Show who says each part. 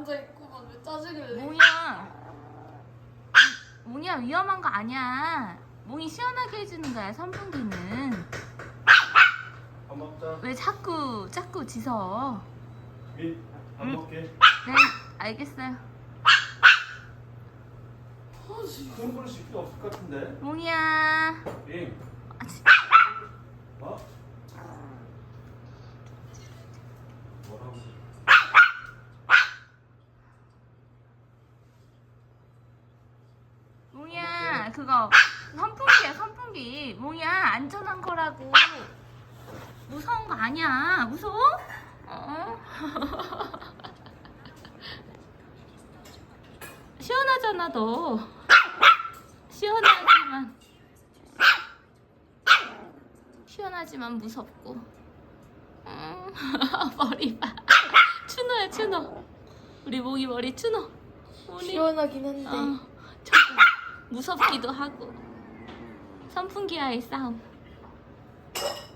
Speaker 1: 앉아있고만 왜 짜증을 내?
Speaker 2: 몽이야 위험한 거 아니야. 몽이 시원하게 해주는 거야 선풍기는.
Speaker 3: 밥 먹자.
Speaker 2: 왜 자꾸 짖어?
Speaker 3: 밥 먹게.
Speaker 2: 네 알겠어요.
Speaker 3: 그런 거를 시킬 필요 없을 것 같은데.
Speaker 2: 몽이야.
Speaker 3: 민. 뭐? 뭐라고?
Speaker 2: 몽이야 그거 선풍기야 선풍기. 몽이야 안전한 거라고. 무서운 거 아니야. 무서워? 시원하잖아 너. 시원하지만 무섭고. 머리 봐. 추노야 추노. 우리 몽이 머리 추노.
Speaker 1: 시원하긴 한데
Speaker 2: 저거 무섭기도 하고. 선풍기와의 싸움.